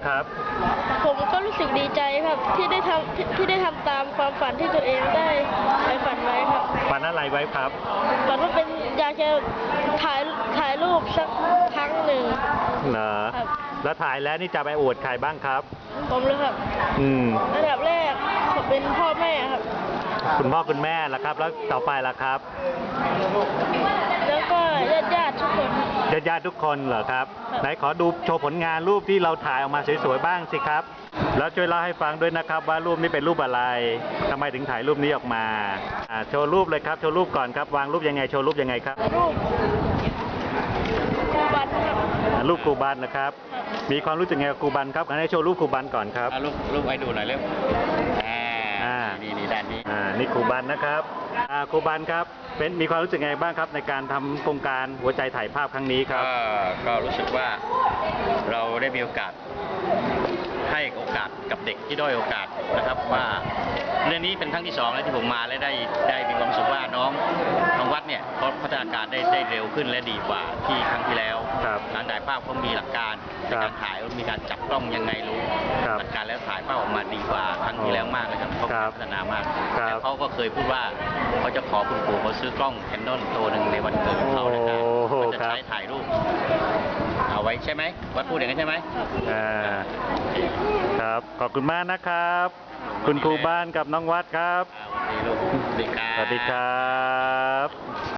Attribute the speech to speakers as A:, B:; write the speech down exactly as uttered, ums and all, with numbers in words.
A: ครับ
B: ผมก็รู้สึกดีใจครับที่ได้ทำที่ที่ได้ทำตามความฝันที่ตัวเองได้ไปฝันไว้ครับ
A: ฝันอะไรไว้ครับ
B: ฝันว่าเป็นอยากจะถ่ายถ่ายรูปสักครั้งหนึ่ง
A: เหรอ
B: ครับ
A: แล้วถ่ายแล้วนี่จะไปอวดใครบ้างครับ
B: ผมเลยครับ
A: อืม
B: ระดับแรกผมเป็นพ่อแม่ครับ
A: คุณพ่อคุณแม่ล่ะครับแล้วต่อไปล่ะครับ
B: แล้วก็ญาติญาติทุกคน
A: ญาติญาติทุกคนเหรอครับไหนขอดูโชว์ผลงานรูปที่เราถ่ายออกมาสวยๆบ้างสิครับแล้วช่วยเล่าให้ฟังด้วยนะครับว่ารูปนี้เป็นรูปอะไรทำไมถึงถ่ายรูปนี้ออกมาอ่าโชว์รูปเลยครับโชว์รูปก่อนครับวางรูปยังไงโชว์รูปยังไงครับ
B: รูปครูบันครับ
A: รูปครูบันนะครับมีความรู้สึกไงกับครูบันครับงั้นให้โชว์รูปครูบันก่อนครับ
C: รูปรูปไว้ดูหน่อยเร็วอ่านี่นี่ด้านนี้
A: อ่านี่ครูบันนะครับอ่าครูบันครับเป็นมีความรู้สึกไงบ้างครับในการทำโครงการหัวใจถ่ายภาพครั้งนี้ครับ
C: ก็รู้สึกว่าเราได้มีโอกาสให้โอกาสกับเด็กที่ด้อยโอกาสนะครับว่าเรื่องนี้เป็นครั้งที่สองแล้วที่ผมมาและได้ได้มีความรู้สึกว่าน้องน้องวัดเนี่ยเขาพัฒนาการได้ได้เร็วขึ้นและดีกว่าที่ครั้งที่แล้วการถ่ายภาพเขามีหลักการในการถ่ายมีการจับกล้องยังไงรู้หลักการแล้วถ่ายภาพออกมาดีกว่าครั้งที่แล้วมากเลยครับเขาพัฒนามากแล้วเขาก็เคยพูดว่าเขาจะขอคุณปู่เขาซื้อกล้องแคนนอนตัวหนึ่งในวันเกิดของเขานะครับเขาจะใช้ถ่ายรูปเอาไว้ใช่ไหมวัดพูดอย่างนั้นใช่ไหม
A: อ่าครับขอบคุณมากนะครับคุณครูบ้านกับน้องวัดครับ
C: สวัสดีลูกสวัสดีครับ
A: สวัสดีครับ